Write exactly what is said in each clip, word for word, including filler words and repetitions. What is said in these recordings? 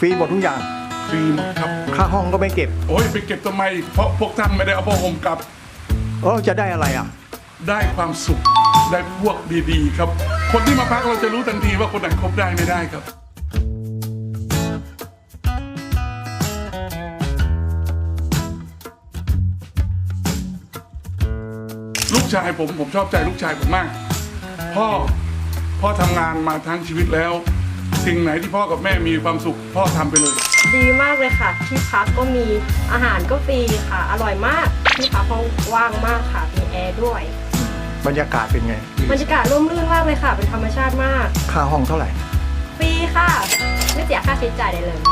ฟรีหมดทุกอย่างฟรีหมดครับค่าห้องก็ไม่เก็บโอ้ยไปเก็บทำไมเพราะพวกท่านไม่ได้เอาผ้าห่มกลับเออจะได้อะไรอ่ะได้ความสุขได้พวกดีๆครับคนที่มาพักเราจะรู้ทันทีว่าคนไหนคบได้ไม่ได้ครับลูกชายผมผมชอบใจลูกชายผมมากพ่อพ่อทำงานมาทั้งชีวิตแล้วสิ่งไหนที่พ่อกับแม่มีความสุขพ่อทำไปเลยดีมากเลยค่ะที่พักก็มีอาหารก็ฟรีค่ะอร่อยมากที่พักห้องว่างมากค่ะมีแอร์ด้วยบรรยากาศเป็นไงบรรยากาศร่มรื่นมากเลยค่ะเป็นธรรมชาติมากค่าห้องเท่าไหร่ฟรีค่ะไม่เสียค่าใช้จ่ายใดเลย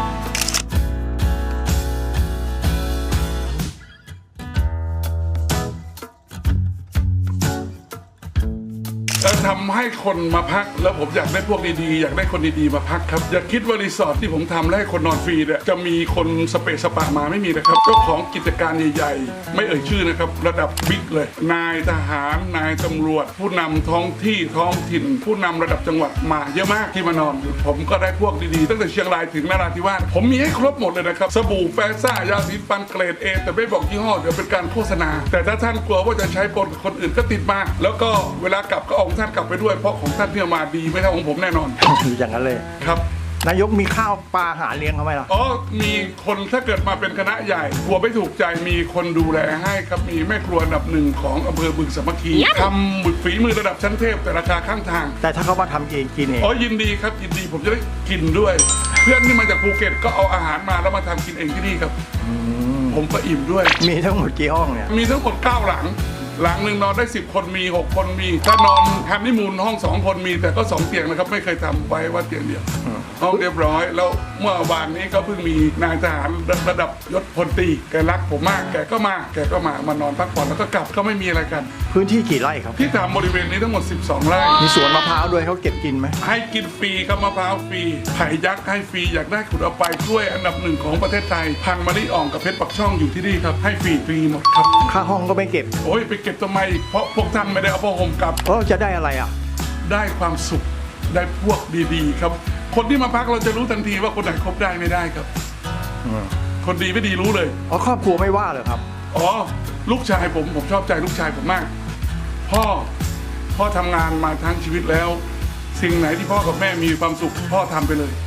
จะทำให้คนมาพักแล้วผมอยากได้พวกดีๆอยากได้คนดีๆมาพักครับอย่าคิดว่ารีสอร์ทที่ผมทำแล้วให้คนนอนฟรีเนี่ยจะมีคนสเปซสปะมาไม่มีนะครับเจ้าของกิจการใหญ่ๆไม่เอ่ยชื่อนะครับระดับบิ๊กเลยนายทหารนายตำรวจผู้นำท้องที่ท้องถิ่นผู้นำระดับจังหวัดมาเยอะมากที่มานอนผมก็ได้พวกดีๆตั้งแต่เชียงรายถึงนราธิวาสผมมีให้ครบหมดเลยนะครับสบู่แฟซ่ายาสีฟันเกรดเอแต่ไม่บอกยี่ห้อเดี๋ยวเป็นการโฆษณาแต่ถ้าท่านกลัวว่าจะใช้ปนกับคนอื่นก็ติดมาแล้วก็เวลากลับก็เอาท่านกลับไปด้วยเพราะของท่านที่มาดีไม่เท่าของผมแน่นอนอย่างนั้นเลยครับนายกมีข้าวปลาหาเลี้ยงเขาไหมล่ะอ๋อมีคนถ้าเกิดมาเป็นคณะใหญ่กลัวไม่ถูกใจมีคนดูแลให้ครับมีแม่ครัวอันดับหนึ่งของอำเภอบึงสามัคคีทำบุตรฝีมือระดับชั้นเทพแต่ราคาข้างทางแต่ถ้าเขามาทำเองกินเองอ๋อยินดีครับยินดีผมจะได้กินด้วย เพื่อนที่มาจากภูเก็ตก็เอาอาหารมาแล้วมาทำกินเองที่นี่ครับผมก็อิ่มด้วยมีทั้งหมดกี่ห้องเนี่ยมีทั้งหมดเก้าหลังหลังหนึ่งนอนได้สิบคนมีหกคนมีถ้านอนฮันนีมูนห้องสองคนมีแต่ก็สองเตียงนะครับไม่เคยทำไว้ว่าเตียงเดียวห้องเรียบร้อยแล้วเมื่อวานนี้ก็เพิ่งมีนายทหารระดับยศพลตรีแกรักผมมากแกก็มาแกก็มามานอนพักผ่อนแล้วก็กลับก็ไม่มีอะไรกันพื้นที่กี่ไร่ครับที่ทำบริเวณนี้ทั้งหมดสิบสองไร่มีสวนมะพร้าวด้วยเขาเก็บกินไหมให้กินฟรีครับมะพร้าวฟรีไผ่ยักษ์ให้ฟรีอยากได้ขุดเอาไปกล้วยอันดับหนึ่งของประเทศไทยพันธุ์มะลิอ่องกับเพชรปักช่องอยู่ที่นี่ครับให้ฟรีฟรีหมดครับค่าห้องก็ไม่เก็บโอ้ยไปเก็บทำไมเพราะพวกท่านไม่ได้เอาผ้าห่มกลับเออจะได้อะไรอ่ะได้ความสุขได้พวกดีๆครับคนที่มาพักเราจะรู้ทันทีว่าคนไหนคบได้ไม่ได้ครับคนดีไม่ดีรู้เลยอ๋อครอบครัวไม่ว่าเลยครับอ๋อลูกชายผมผมชอบใจลูกชายผมมากพ่อพ่อทำงานมาทั้งชีวิตแล้วสิ่งไหนที่พ่อกับแม่มีความสุขพ่อทำไปเลย